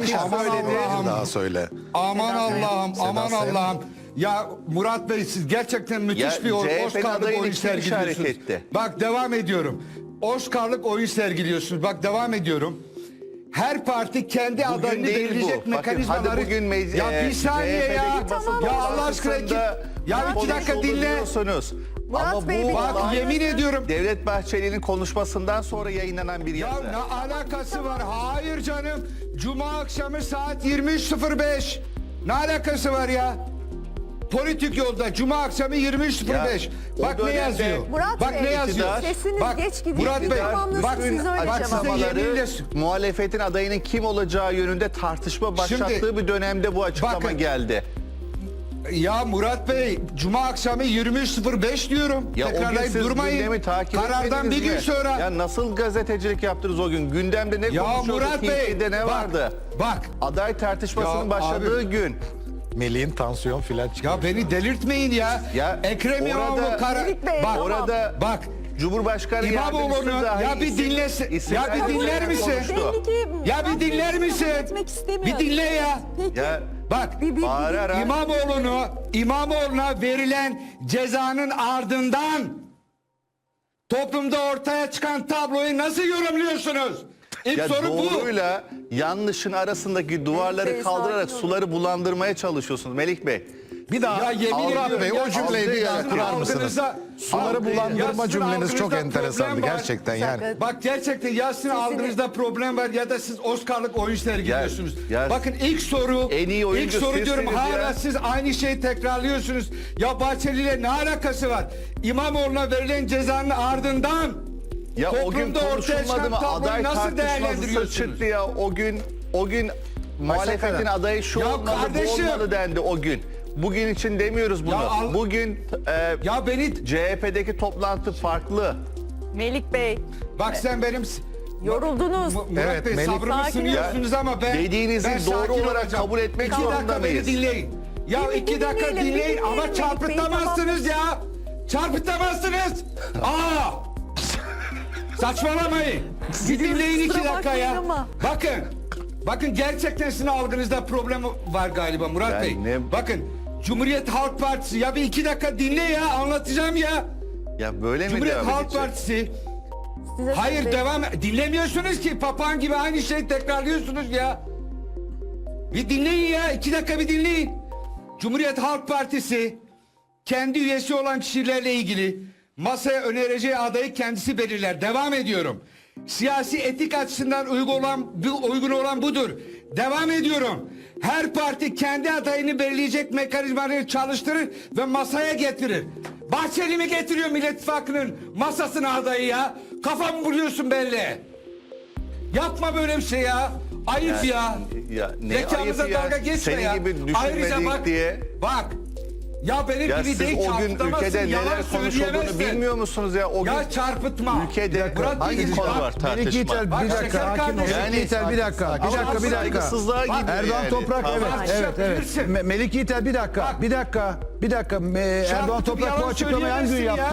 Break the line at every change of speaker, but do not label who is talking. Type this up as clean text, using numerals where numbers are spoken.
kişi söyledi.
Daha söyle.
Aman Allah'ım, aman
Sayın.
Allah'ım. Ya Murat Bey siz gerçekten müthiş
Ya
bir
CHP'nin
Oscar'lık
adayını
oyun
kim
sergiliyorsunuz.
işaret etti?
Bak devam ediyorum. Oscar'lık oyun sergiliyorsunuz. Bak devam ediyorum. Her parti kendi adayını
değil
belirleyecek
bu. Bakın,
mekanizmaları.
hadi bugün
ya bir saniye ya.
CHP'deki basın
Ya Allah aşkına
toplantısında
ya iki dakika
konuşuldu
dinle.
diyorsunuz.
Murat
Ama
Bey,
bu
Bak
olay
yemin ediyorum.
Devlet Bahçeli'nin konuşmasından sonra yayınlanan bir
Ya
yazı.
ne alakası var? Hayır canım. Cuma akşamı saat 23.05. Ne alakası var ya? Politik yolda Cuma akşamı 23.05.
Ya,
Bak
o
ne
dönemde
yazıyor.
Murat
Bak
Bey,
ne yazıyor.
iktidar-
Sesiniz
Bak,
geç gidiyor.
Murat Bey,
Tamamlasın,
bak,
siz öyle cevap
Açıklamaları
yeminle-
muhalefetin adayının kim olacağı yönünde tartışma başlattığı
Şimdi,
bir dönemde bu açıklama
bakın,
geldi.
Ya Murat Bey Cuma akşamı 23.05 diyorum.
Ya o gün
Tekrarlayıp
siz
durmayın.
gündemi takip
Karardan
etmediniz
bir gün
mi?
sonra.
Ya nasıl gazetecilik yaptınız o gün? Gündemde ne
Ya
konuşuyordu?
Murat Bey,
TV'de ne
bak,
vardı?
bak.
Aday tartışmasının
Ya
başladığı
abi.
gün.
Melih'in tansiyon filan çıkıyor.
Ya beni delirtmeyin ya.
Ya
Ekrem İmamoğlu
orada-
Melik Bey,
bak
tamam.
Orada
bak.
Cumhurbaşkanı
İmamoğlu'nu
yardımcısı dahi
ya bir dinlesin.
isim
Ya bir
vermeden
dinler misin?
konuştu.
Belli ki
Ya bir
Murat Bey
dinler
kabul
misin?
etmek istemiyor.
Bir dinle ya.
Peki.
Ya
Bak
bağırarak
İmamoğlu'na verilen cezanın ardından toplumda ortaya çıkan tabloyu nasıl yorumluyorsunuz? İlk
ya
soru bu.
doğruyla yanlışın arasındaki duvarları
Melik Bey,
kaldırarak
sakin olun.
suları bulandırmaya çalışıyorsunuz Melik Bey.
Bir daha
Ya yemin
Murat
ediyorum
Bey
ya,
o cümleyi bir
sizin
yere kurar mısınız?
algınızda-
Suları
Ya
bulandırma
sizin
cümleniz çok
algınızda
enteresandı
problem var.
gerçekten yani.
Bak gerçekten ya sizin algınızda problem var ya da siz Oscar'lık oyun sergiliyorsunuz.
Ya-
Bakın ilk soru
En iyi oyuncu
ilk soru diyorum
sizsiniz
hala
ya.
siz aynı şeyi tekrarlıyorsunuz. Ya Bahçeli ile ne alakası var? İmamoğlu'na verilen cezanın ardından
Ya o gün
toplumda ortaya
konuşulmadı
çıkan
mı?
tabloyu
Aday
nasıl
tartışması
değerlendiriyorsunuz?
çıktı ya o gün muhalefetin
kadar.
adayı şu
Ya
olmalı
kardeşim.
bu olmalı dendi o gün. Bugün için demiyoruz bunu.
Ya
Bugün
Ya beni
CHP'deki toplantı farklı.
Melik Bey,
bak sen benim
yoruldunuz.
Murat
Evet,
Bey
Melik-
sabrımı
Sakin
sınıyorsunuz ama ben
Dediğinizi
ben
doğru
sakin
olarak
olacağım.
kabul etmek
2
zorunda
dakika
mıyız?
beni dinleyin. Ya
Bir
2 dakika
dinleyelim, bir
dinleyin
dinleyelim
ama
Melik Bey,
çarpıtamazsınız ya. Çarpıtamazsınız. Aa! Saçmalamayın. Bir dinleyin 2
kusura
dakika ya.
bakmayın ama.
Bakın gerçekten sizin algınızda problem var galiba Murat
Ben
Bey.
ne-
Bakın Cumhuriyet Halk Partisi ya bir 2 dakika dinle ya anlatacağım ya.
Ya böyle mi
Cumhuriyet
devam
Halk
edecek?
Partisi
Size
hayır
söz
devam dinlemiyorsunuz ki papağan gibi aynı şeyi tekrarlıyorsunuz ya. Bir dinleyin ya 2 dakika bir dinleyin. Cumhuriyet Halk Partisi kendi üyesi olan kişilerle ilgili masaya önereceği adayı kendisi belirler. Devam ediyorum. Siyasi etik açısından uygun olan budur. Devam ediyorum. Her parti kendi adayını belirleyecek mekanizmaları çalıştırır ve masaya getirir. Bahçeli mi getiriyor Millet İttifakı'nın masasına adayı ya? Kafamı buluyorsun belli. Yapma böyle bir şey ya. Ayıp ya.
Ya ne
Zekamıza
ayıp ya.
dalga geçme
Senin
ya.
gibi
Ayrıca
düşünmedik
bak,
diye.
Bak. Ya benim
Ya
gibi
siz
değil
o gün
çarpıtamazsın,
ülkede
yalan
neler konuşulduğunu
söyleyemezsin.
bilmiyor musunuz ya? O gün
Ya çarpıtma.
ülkede
Murat Bey,
hangi konu
bak,
var
Melih
tartışma?
Yiğiter
Bak,
bir dakika.
şeker
Hakim ol.
kardeşim.
Melih Yiğiter bir dakika. Bir
Ama
dakika bir dakika.
saygısızlığa
Bak,
gidiyor
Erdoğan
yani.
Toprak
Tamam.
evet.
Bilirsin.
Melik Yiğiter bir dakika.
Bak.
Bir dakika. Erdoğan
Çarpıtıp
Toprak bu
yalan
açıklamayı hangi gün
söyleyemezsin
yaptı?